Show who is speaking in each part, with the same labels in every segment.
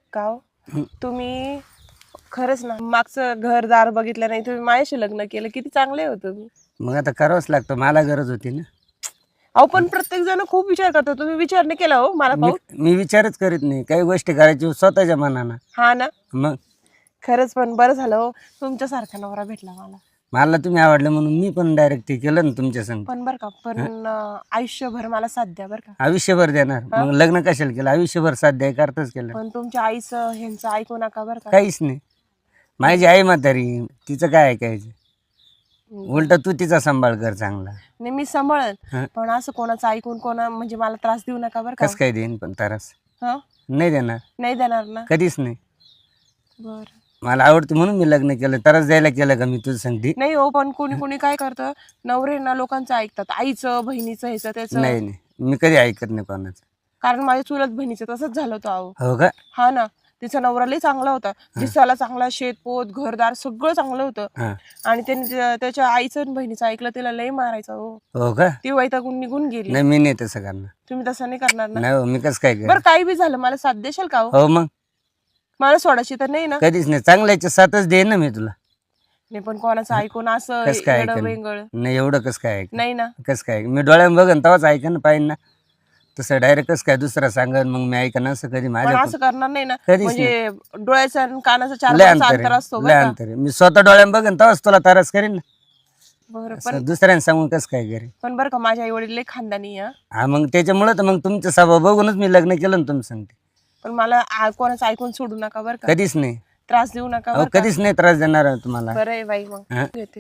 Speaker 1: का हो? तुम्ही खरंच ना मागचं घरदार बघितलं नाही, तुम्ही माझ्याशी लग्न केलं, किती चांगले होते तुम्ही.
Speaker 2: मग आता करावंच लागतं, मला गरज होती ना.
Speaker 1: अहो पण प्रत्येक जण खूप विचार करतो, तुम्ही विचार नाही केला हो मला पाहून.
Speaker 2: मी विचारच करीत नाही, काही गोष्टी करायची स्वतःच्या मनानं.
Speaker 1: हा ना,
Speaker 2: मग
Speaker 1: खरंच पण बरं झालं हो तुमच्यासारखा नवरा भेटला मला.
Speaker 2: मला तुम्ही आवडलं म्हणून मी पण डायरेक्ट ते केलं ना तुमच्या संग.
Speaker 1: पण बरं का, पण आयुष्यभर मला साथ द्या बरं का.
Speaker 2: आयुष्यभर देणार, मग लग्न कशाला केलं, आयुष्यभर साध्य करताच केलं.
Speaker 1: पण तुमच्या आईचं ह्यांचं ऐकू नका बरं का.
Speaker 2: काहीच नाही, माझी आई म्हातारी, तिचं काय ऐकायचं. उलट तू तिचा सांभाळ कर चांगला.
Speaker 1: नाही मी सांभाळन, पण असं कोणाचं ऐकून कोणा म्हणजे मला त्रास देऊ नका बरं का.
Speaker 2: कस काय देईन पण त्रास?
Speaker 1: हा,
Speaker 2: नाही देणार,
Speaker 1: नाही देणार ना.
Speaker 2: कधीच नाही.
Speaker 1: बर,
Speaker 2: मला आवडतं म्हणून मी लग्न केलं, त्रास द्यायला केलं का मी तुझं सांगते?
Speaker 1: नाही हो, पण कोणी कोणी काय करतं, नवरे ना लोकांचं ऐकतात, आईचं बहिणीचं ह्याचं त्याचं.
Speaker 2: नाही नाही, मी कधी ऐकत नाही कोणाचं.
Speaker 1: कारण माझ्या चुलत बहिणीचं तसंच झालं होतं अहो.
Speaker 2: हो का?
Speaker 1: हा ना, तिचा नवरा लई चांगला होता, दिसायला चांगला, शेतपोत घरदार सगळं चांगलं होतं.
Speaker 2: हा.
Speaker 1: आणि त्याने त्याच्या आईचं आणि बहिणीचं ऐकलं, तिला लई मारायचं हो.
Speaker 2: हो का?
Speaker 1: ती वैतागून निघून गेली.
Speaker 2: नाही मी नाही तसं करणार.
Speaker 1: तुम्ही तसं नाही करणार ना.
Speaker 2: नाही हो, मी कसं काय
Speaker 1: बरं
Speaker 2: कर.
Speaker 1: काही बी झालं मला साथ देशाल का हो?
Speaker 2: हो मग
Speaker 1: मला सोडायची तर नाही ना.
Speaker 2: कधीच नाही, चांगल्याच्या साथच देईन ना मी तुला.
Speaker 1: नाही पण कोणाचं ऐकून असं
Speaker 2: कस काय
Speaker 1: येडं
Speaker 2: ऐकन?
Speaker 1: वेंगळ
Speaker 2: नाही एवढं कसं काय ऐक,
Speaker 1: नाही ना.
Speaker 2: कसं काय मी डोळ्यानं बघन तेव्हाच ऐकन ना, पाहिजे ना. तसं डायरेक्ट कसं काय दुसरा सांगन मग मी ऐकन, असं कधी
Speaker 1: पण
Speaker 2: माझ्या
Speaker 1: असं करणार नाही ना,
Speaker 2: कधीच
Speaker 1: म्हणजे डोळ्याचा आणि कानाचा 4
Speaker 2: लय
Speaker 1: फुटाचं
Speaker 2: अंतर
Speaker 1: अंतर
Speaker 2: आहे,
Speaker 1: असतो
Speaker 2: लय
Speaker 1: बरं का.
Speaker 2: अंतर आहे. मी स्वतः डोळ्यानं बघन तेव्हाच तुला त्रास करीन ना.
Speaker 1: बरं
Speaker 2: असं दुसऱ्याने सांगून कसं काय करेन?
Speaker 1: पण बरं का, माझ्या आई वडील लई खानदानी आहे.
Speaker 2: हा मग त्याच्यामुळे तर मग तुमचा स्वभाव बघूनच मी लग्न केलं ना, तुम्ही सांगते.
Speaker 1: पण मला कोणाचं ऐकून सोडू नका बरं का.
Speaker 2: कधीच नाही,
Speaker 1: त्रास देऊ नका
Speaker 2: अहो
Speaker 1: बरं का.
Speaker 2: कधीच नाही त्रास देणार आहे तुम्हाला.
Speaker 1: बरं आहे बाई, मग
Speaker 2: हा?
Speaker 1: येते.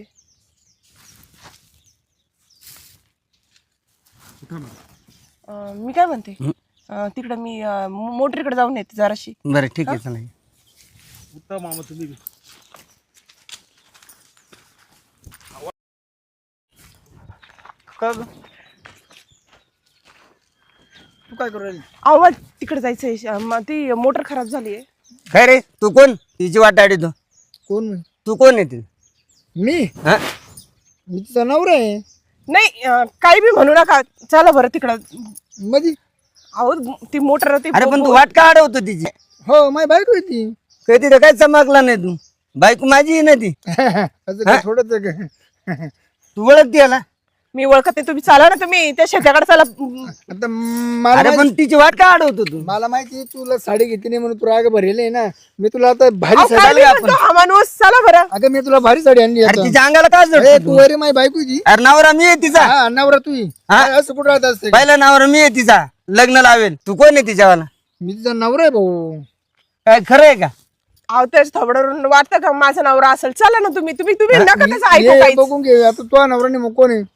Speaker 1: मी काय म्हणते, तिकडे मी मोटरीकडे जाऊन येते जराशी.
Speaker 2: बरं ठीक आहे, चला.
Speaker 3: उत्तम मामा तुम्ही
Speaker 2: का ग?
Speaker 3: तू काय करू राहिली?
Speaker 1: आवाज तिकडे जायचंय, ती मोटर खराब झाली आहे.
Speaker 2: काय रे, तू कोण? तिची वाट आडी तू.
Speaker 3: कोण
Speaker 2: तू कोण आहे ती?
Speaker 3: मी
Speaker 2: हा?
Speaker 3: मी तिचा नवरा आहे.
Speaker 1: नाही काही बी म्हणू नका, चला बरं तिकडं.
Speaker 3: मधी
Speaker 1: अहो ती मोटर ती
Speaker 2: अरे पण तू वाट का अडवतो तिची?
Speaker 3: हो माझी बायको आहे ती.
Speaker 2: काही तिथं काय चमकला नाही तू. बायको माझी आहे ना ती.
Speaker 3: असं काय थोडंच
Speaker 2: तू ओळखते याला?
Speaker 1: मी ओळखत नाही, तुम्ही चला ना, तुम्ही त्या शेताकडे चला.
Speaker 3: आता मला
Speaker 2: अरे पण तिची वाट का अडवतो तू?
Speaker 3: मला माहिती तुला साडी घेतली नाही म्हणून तू राग भरेल आहे ना. मी तुला आता भारी
Speaker 1: अहो,
Speaker 3: साडी
Speaker 1: काय बी म्हणतो हा माणूस, चला बरं.
Speaker 3: अगं मी तुला भारी साडी आणली
Speaker 2: अरे
Speaker 3: आता.
Speaker 2: तिच्या अंगाला काय
Speaker 3: अरे
Speaker 2: जडतो
Speaker 3: तू
Speaker 2: तू?
Speaker 3: अरे माझी बायको आहे ती.
Speaker 2: अरे नवरा मी आहे तिचा.
Speaker 3: हा नवरा तू आहे.
Speaker 2: हा?
Speaker 3: असं कुठं राहत असते?
Speaker 2: पहिला नवरा मी आहे तिचा, लग्न लावेल. तू कोण आहे तिच्यावाला?
Speaker 3: मी तिचा नवरा आहे भाऊ.
Speaker 2: काय खरं आहे का?
Speaker 1: अहो त्याच थोबडवरून वाटतं का माझा नवरा असेल. चला ना तुम्ही तुम्ही तुम्ही नका त्याचं ऐकू
Speaker 3: ये
Speaker 1: काहीच.
Speaker 3: बघून घे आता तुझा नवरा नाही मग कोण आहे?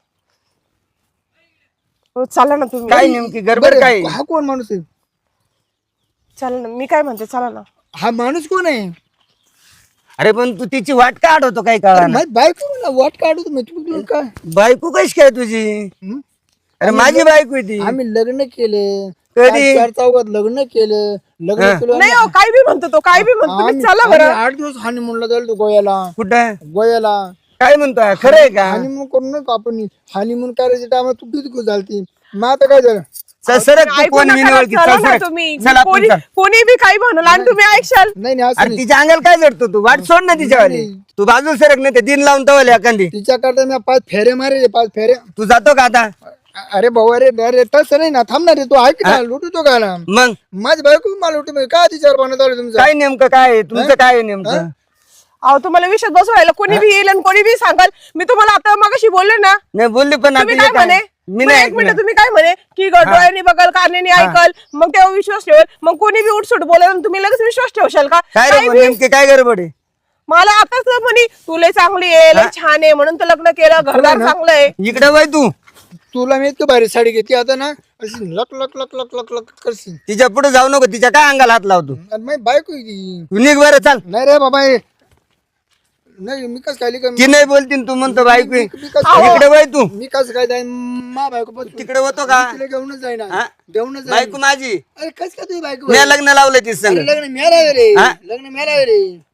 Speaker 1: हो, चला ना तुम्ही.
Speaker 2: काय नेमकी गडबड
Speaker 3: बरं,
Speaker 2: काय?
Speaker 3: हा कोण माणूस आहे?
Speaker 1: चला ना, मी काय म्हणते, चला ना.
Speaker 3: हा माणूस कोण आहे?
Speaker 2: अरे पण तू तिची वाट का अडवतो काय
Speaker 3: अरे
Speaker 2: कळा?
Speaker 3: माझी बायको मला वाट काढू तुम्ही तुला काय?
Speaker 2: बायको कशी काय तुझी?
Speaker 3: हं?
Speaker 2: अरे माझी बायको आहे ती.
Speaker 3: आम्ही लग्न केले
Speaker 2: कधी?
Speaker 3: 4 चौघात लग्न केलं. लग्न केलं
Speaker 1: नाही हो, काय बी म्हणतो तो, काय बी म्हणतो तुम्ही, चला बरं.
Speaker 3: 8 दिवस हानिमूनला जाईल तो गोव्याला.
Speaker 2: कुठं?
Speaker 3: गोव्याला
Speaker 2: काय म्हणतोय, खरं आहे का?
Speaker 3: हानिमून करून नका आपण. हानिमून करायच्या टायमाला तू किती खुश झालती. मग आता काय झालं?
Speaker 2: सरक तू
Speaker 1: ऐकू
Speaker 2: कोण
Speaker 1: नका
Speaker 2: मी
Speaker 1: ना,
Speaker 2: नाही ओळखी.
Speaker 1: चला
Speaker 2: चल
Speaker 1: ना
Speaker 2: सरक.
Speaker 1: तुम्ही.
Speaker 2: चल आपण
Speaker 1: कोणी
Speaker 2: चल.
Speaker 1: कोणी बी काही म्हणलं आणि तुम्ही ऐकशाल.
Speaker 3: नाही नाही असं
Speaker 2: अरे
Speaker 3: नाही.
Speaker 2: तिच्या अंगाला काय जडतो तू? वाट सोड ना तिच्यावाली. तू बाजू सरक नाही ते दिन लावून तवले एखादी.
Speaker 3: तिच्या करता मी 5 फेरे मारे 5 फेरे.
Speaker 2: तू जातो का आता?
Speaker 3: अरे भाऊ अरे तसं नाही ना, थांबणार रे तू. ऐक ना, लुटतो का ना?
Speaker 2: मग
Speaker 3: माझी बायको मला लुटू काय तिच्यावर बनवत आलं तुमचं?
Speaker 2: काय नेमकं काय आहे? तुमचं काय आहे नेमकं?
Speaker 1: अहो तुम्हाला विषयात बसवायला कोणी बी येईल आणि कोणी बी सांगाल. मी तुम्हाला आता मगाशी बोलले ना,
Speaker 2: नाही बोलली पण
Speaker 1: तुम्ही
Speaker 2: आता
Speaker 1: काय
Speaker 2: हे काय?
Speaker 1: म्हणे,
Speaker 2: मी
Speaker 1: मग
Speaker 2: नाही
Speaker 1: एक मिनिट,
Speaker 2: ऐकलं.
Speaker 1: तुम्ही काय म्हणे की डोळ्यांनी बघल कानाने ऐकल मग तेव्हा विश्वास ठेवल. मग कोणी बी उठसूट बोलेल आणि तुम्ही लगेच विश्वास ठेवशाल का?
Speaker 2: काय रे पण नेमके काय गडबड आहे?
Speaker 1: मला आताच म्हणे तू लय चांगली आहे, लय छान आहे म्हणून तर लग्न केलं, घरदार चांगलं आहे.
Speaker 2: इकडे वय तू.
Speaker 3: तुला मी इतकी भारी साडी घेतली आता ना, अशी लक लक लक लक लक लक करशील.
Speaker 2: तिच्या पुढे जाऊ नको, तिच्या काय अंगाला हात लावतो?
Speaker 3: आणि माझी बायको आहे ती.
Speaker 2: तू निघ बरं, चाल.
Speaker 3: नाही रे बाबा हे. नाही मी कसं काय
Speaker 2: ती नाही बोलतीन तू म्हणतो बायको आहे.
Speaker 3: मी कसं
Speaker 2: इकडे वय तू.
Speaker 3: मी कसं काय जाईन मा बायको पण
Speaker 2: तिकडे होतो का?
Speaker 3: तिला घेऊनच जाईना.
Speaker 2: हा?
Speaker 3: घेऊनच
Speaker 2: बायको
Speaker 3: जाईन.
Speaker 2: माझी.
Speaker 3: अरे कसं काय तुझी बायको?
Speaker 2: मी लग्न लावलं ती संग.
Speaker 3: अरे लग्न मेला रे.
Speaker 2: हा?
Speaker 3: लग्न मेला रे.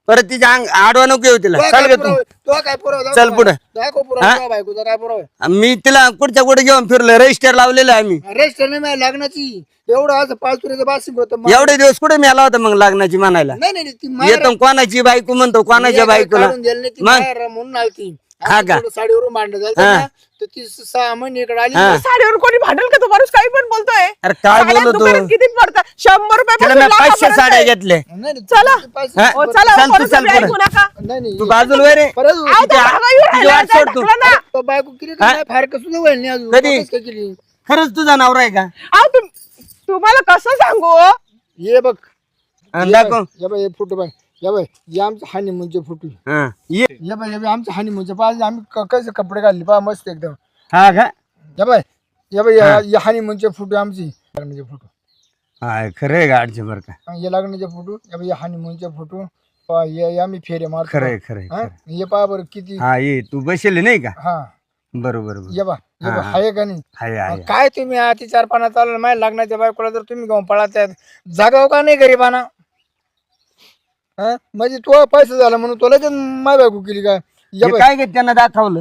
Speaker 2: परत तिच्या आडवा नको येऊ तिला.
Speaker 3: तो
Speaker 2: चल
Speaker 3: काय
Speaker 2: ग तू.
Speaker 3: पुरावा? तो काय पुरावा?
Speaker 2: चल पुढे.
Speaker 3: दाखव पुरावा तुझ्या बायकोचा काय पुरावा आहे?
Speaker 2: मी तिला कुठच्या कुठे घेऊन फिरलो, रजिस्टर लावलेलं आहे आम्ही.
Speaker 3: रेस्ट नाही माझ्या लग्नाची एवढं असं 5 तुरीचं बासिंग होतं.
Speaker 2: एवढे दिवस कुठे मिळाला होता मग लग्नाची म्हणायला?
Speaker 3: नाही नाही ती माहेर-
Speaker 2: येतो कोणाची बायको म्हणतो कोणाच्या बायकोला.
Speaker 3: काढून दिलं नाही ती
Speaker 2: मग?
Speaker 3: माहेर म्हणून आली ती.
Speaker 2: हा
Speaker 3: आम्ही
Speaker 2: का?
Speaker 3: थोडं साडीवरून भांडण झालं
Speaker 2: हा.
Speaker 3: ना, तर ती 6 महिने इकडे आली.
Speaker 2: हा.
Speaker 1: साडीवर कोणी भांडल का? तू माणूस काही पण बोलतोय.
Speaker 2: अरे काय
Speaker 1: साड्या
Speaker 2: बोलतो
Speaker 1: दुकानात किती पडतात? 100 रुपये
Speaker 2: तिला मी 500 साड्या घेतल्या.
Speaker 3: नाही, नाही,
Speaker 1: चला.
Speaker 3: ती पैसे-
Speaker 2: हा?
Speaker 1: ओ, चला
Speaker 2: चल
Speaker 1: ओ,
Speaker 2: तू,
Speaker 1: परत
Speaker 2: चल
Speaker 1: तुम्ही
Speaker 2: पुढे.
Speaker 1: ऐकू नका.
Speaker 3: नाही नाही
Speaker 2: तू बाजूला वय रे.
Speaker 3: परत
Speaker 1: अहो, तो भागा येऊन
Speaker 2: तिची
Speaker 1: राहिला,
Speaker 2: वाट सोड तू.
Speaker 1: ढकला ना.
Speaker 3: तो बायको केली
Speaker 2: हा?
Speaker 3: तर फार कसं नाही व्हायला नाही अजून.
Speaker 2: कधी?
Speaker 3: वापस काय केली?
Speaker 2: खरंच तुझा नवरा आहे का?
Speaker 1: अहो, तुम्हाला कसं सांगू हो?
Speaker 3: ये बघ
Speaker 2: आणि दाखव.
Speaker 3: या बाई हे फोटो बाय या बाई हे आमचं हनीमूनचे फोटो.
Speaker 2: हा. ये.
Speaker 3: या बाई या बाई आमचं हनीमूनचे पाहिजे आम्ही कसे कपडे घालले पहा मस्त एकदम.
Speaker 2: हा का?
Speaker 3: या बाई या हनीमूनचे फोटो आमची लग्नाचे फोटो.
Speaker 2: हा खरंय गाडचे बरं का.
Speaker 3: हे लग्नाचे फोटो या बाई हनीमूनचे फोटो पहा हे आम्ही फेरे मारतो.
Speaker 2: खरंय खरंय
Speaker 3: हा?
Speaker 2: खरंय.
Speaker 3: हे पहा बरं किती.
Speaker 2: हा ये तू बसेल नाही का?
Speaker 3: हा
Speaker 2: बरोबर बरोबर.
Speaker 3: ये बा
Speaker 2: हा.
Speaker 3: आहे का नाही?
Speaker 2: हाय हाय.
Speaker 3: काय तुम्ही अति 4 पाना चाललं माझ्या लग्नाच्या बायकोला जर तुम्ही घेऊन पळात जागाव का नाही गरीबाना? हा म्हणजे तो पैसा झाला म्हणून तुला ते माय बायको केली काय? या
Speaker 2: हे
Speaker 3: बाई
Speaker 2: काय गे त्यांना दाखवलं?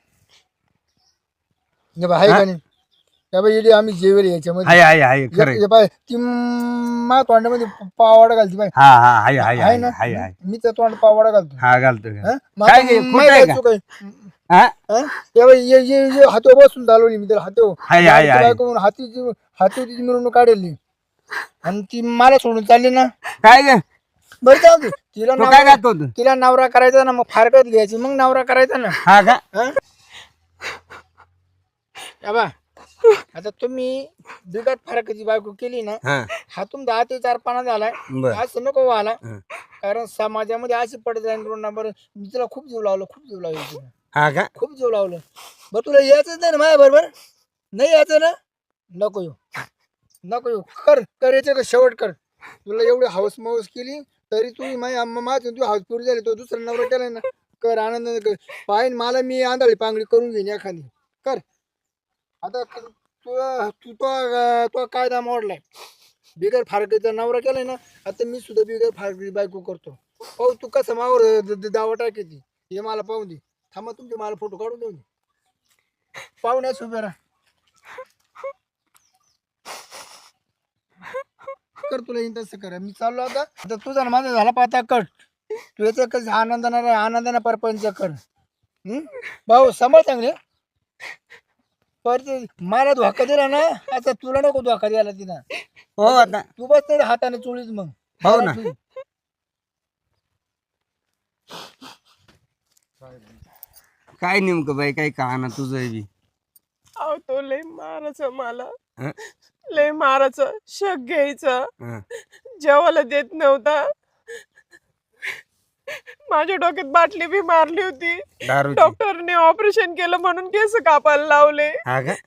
Speaker 3: या बाई आहे का नाही? या बाई इडी आम्ही जेवेल याच्यामध्ये.
Speaker 2: हाय हाय हाय खरंय.
Speaker 3: या बाई ती मा तोंडामध्ये पावाडा घालते बाई.
Speaker 2: हा हा हाय हाय
Speaker 3: आहे
Speaker 2: हाय
Speaker 3: ना?
Speaker 2: हाय हाय.
Speaker 3: मी तर तोंड पावाडा घालतो.
Speaker 2: हा घालतो
Speaker 3: हा?
Speaker 2: का?
Speaker 3: मग
Speaker 2: काय
Speaker 3: आता
Speaker 2: गे,
Speaker 3: माय
Speaker 2: खोटं आहे
Speaker 3: बायको
Speaker 2: का?
Speaker 3: काय?
Speaker 2: हा
Speaker 3: हा? या बाई ये हातो बसून चालवली मी त्याला हातो.
Speaker 2: हाय, हाय, हाय.
Speaker 3: हातीची मिरवणूक काढली आणि ती मला सोडून चालली ना.
Speaker 2: काय ग?
Speaker 3: बरं जाऊ दे. तिला
Speaker 2: तो काय
Speaker 3: नवरा
Speaker 2: घालतो तू?
Speaker 3: तिला नवरा करायचा ना मग फारकत घ्यायची मग नवरा करायचा ना.
Speaker 2: हा का?
Speaker 3: हा? या बा आता तुम्ही बिकट फारकची बायको केली ना.
Speaker 2: हा
Speaker 3: हा तुमचा हाती 4 पाना झालाय.
Speaker 2: बर.
Speaker 3: असं नको व्हायला.
Speaker 2: हा.
Speaker 3: कारण समाजामध्ये अशी पडत जाईल नंबर. मी तिला खूप जीव लावलं तिला.
Speaker 2: हा का?
Speaker 3: खूप जीव लावलं. बरं तुला यायचंच नाही ना माझ्या बरोबर? नाही यायचं ना? नको येऊ कर याचं का शेवट कर. तुला एवढी हाऊस माऊस केली तरी तू माझं तू हाऊस पुरी झाली. तो दुसरा नवरा केलाय ना. कर आनंदाने कर. पाहिन मला मी आंधळी पांगडी करून घेईन एखादी. कर आता तू तो कायदा मोडलाय. बिगर फारकतीचा नवरा केलाय ना. आता मी सुद्धा बिगर फारकती बायको करतो. पाहू तू कसं मावर दावा टाकायची हे मला पाहून दे. थांबा तुमचे मला फोटो काढून देऊ दे. पाहुण्यास उभे राहा. कर तुला येईन तसं कर. मी चाललो आता तुझा ना माझा झाला पाहता कट. तू याचं कसं आनंदाने परपंच कर. भाऊ समज चांगले. पर मला धोका दिला ना आता तुला नको धोका द्यायला तिनं.
Speaker 2: हो आता
Speaker 3: तू बस नाही हाताने चोळीच मग.
Speaker 2: हो ना. काय नेमकं बाई काय कहाणा तुझं बी?
Speaker 1: अहो, तो लय मारायचं मला.
Speaker 2: हं?
Speaker 1: लय मारायचं. शक घ्यायचं.
Speaker 2: हा.
Speaker 1: जेवायला देत नव्हता. माझ्या डोक्यात बाटली बी मारली होती.
Speaker 2: दारूची?
Speaker 1: डॉक्टरने ऑपरेशन केलं म्हणून केस कापायला लावले.
Speaker 2: हा का?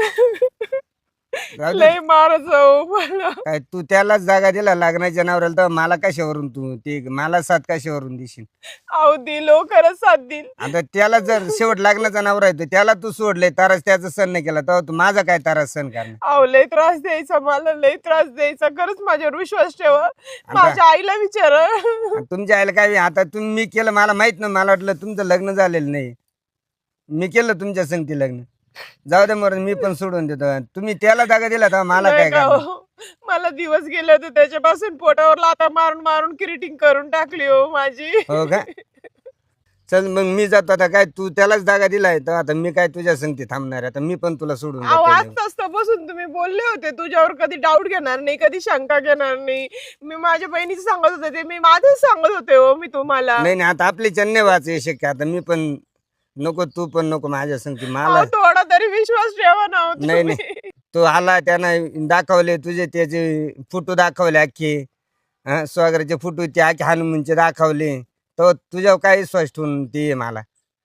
Speaker 2: जाऊ दे.
Speaker 1: लय मारायचं मला.
Speaker 2: काय तू त्यालाच जागा दिला लग्नाच्या नवऱ्याला तर मला कशावरून तू ते मला साथ कशावरून देशील?
Speaker 1: अहो दिलो खरंच साथ देईल.
Speaker 2: आता त्याला जर शेवट लग्नाचा नवरा आहे तर त्याला तू सोडले तारास त्याचा सण नाही केला तर तू माझा काय तारास सण करणार?
Speaker 1: अहो लय त्रास द्यायचा मला. लय त्रास द्यायचा. खरंच माझ्यावर विश्वास ठेवा. माझ्या आईला विचारा.
Speaker 2: आणि तुमच्या आईला काय आता तुम्ही मी केलं मला माहित नाही. मला वाटलं तुमचं लग्न झालेलं नाही. मी केलं तुमच्या संगती लग्न. जाऊ दे मरून मी पण सोडून देतो. तुम्ही त्याला जागा दिला तर मला काय
Speaker 1: नाही का
Speaker 2: करणार?
Speaker 1: हो? मला दिवस गेले होते त्याच्यापासून पोटावर लाथा मारून मारून किरीटिंग करून टाकली हो माझी.
Speaker 2: हो का? चल मग मी जातो आता. काय तू त्यालाच जागा दिलाय तर आता मी काय तुझ्या संगती थांबणार आहे? आता मी पण तुला सोडून
Speaker 1: अहो
Speaker 2: जातो.
Speaker 1: आज तसं बसून तुम्ही बोलले होते तुझ्यावर कधी डाऊट घेणार नाही, कधी शंका घेणार नाही. मी माझ्या बहिणीचं सांगत होते ते मी माझं सांगत होते हो मी तुम्हाला.
Speaker 2: नाही नाही आता आपली चन्ने वाच शक्य. आता मी पण नको तू पण नको माझ्या संगती. मला
Speaker 1: अहो, थोडा तरी विश्वास ठेवा ना हो
Speaker 2: नाही
Speaker 1: तुम्ही.
Speaker 2: नाही तो आला त्यानं दाखवले तुझे त्याचे फोटो दाखवले अख्खे. स्वागराचे फोटो ते अख्खे हनुमानचे दाखवले तर तुझ्यावर काय विश्वास ठेवून ते मला?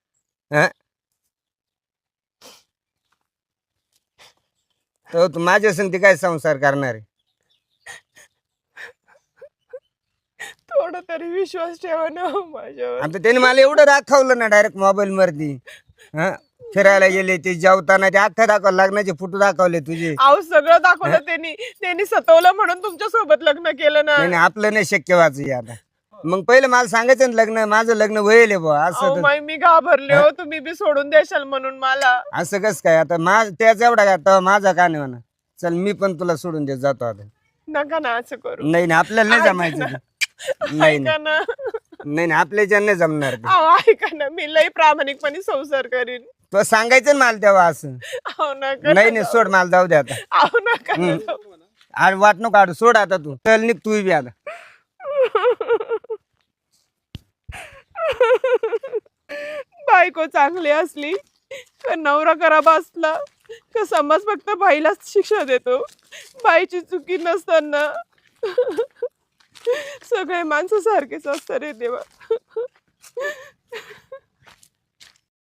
Speaker 2: तर तू माझ्या संगती काय संसार करणार आहे?
Speaker 1: थोडा तरी विश्वास ठेवा ना हो माझ्यावर.
Speaker 2: आता त्याने मला एवढं दाखवलं ना डायरेक्ट मोबाईल वरती. फिरायला गेले ते जेवताना ते अख्खा दाखवलं. लग्नाचे फोटो दाखवले तुझे.
Speaker 1: अहो सगळं दाखवलं त्यांनी. त्यांनी सतवलं म्हणून तुमच्या सोबत लग्न केलं ना.
Speaker 2: नाही नाही, आपलं नाही शक्य वाच आता. मग पहिलं मला सांगायचं ना लग्न माझं लग्न व्हायले बुवा
Speaker 1: अहो
Speaker 2: असं तर-
Speaker 1: माई मी घाबरले हो, तुम्ही बी सोडून देशाल म्हणून मला.
Speaker 2: असं कस काय आता त्याच एवढा का तेव्हा माझा का नाही म्हणा. चल मी पण तुला सोडून देत जातो आता.
Speaker 1: नका ना असं करू.
Speaker 2: नाही नाही आपल्याला नाही जमायचं ते. नाही
Speaker 1: ऐका
Speaker 2: नाही
Speaker 1: ना.
Speaker 2: नाही नाही आपल्याच्या नाही जमणार ते.
Speaker 1: अहो ऐका ना, मी लई प्रामाणिकपणे संसार करीन.
Speaker 2: तो सांगायचं ना मला तेव्हा असं.
Speaker 1: अहो नका.
Speaker 2: नाही नाही सोड मला जाऊ दे आता.
Speaker 1: अहो नका ना जाऊ.
Speaker 2: आणि वाट नको काढू सोड आता तू. चल निघ तू बी आता.
Speaker 1: बायको चांगली असली तर नवरा खराब असला तर समाज फक्त बाईलाच शिक्षा देतो. बाईची चुकी नसताना सगळे माणसं सारखेच असतात रे देवा.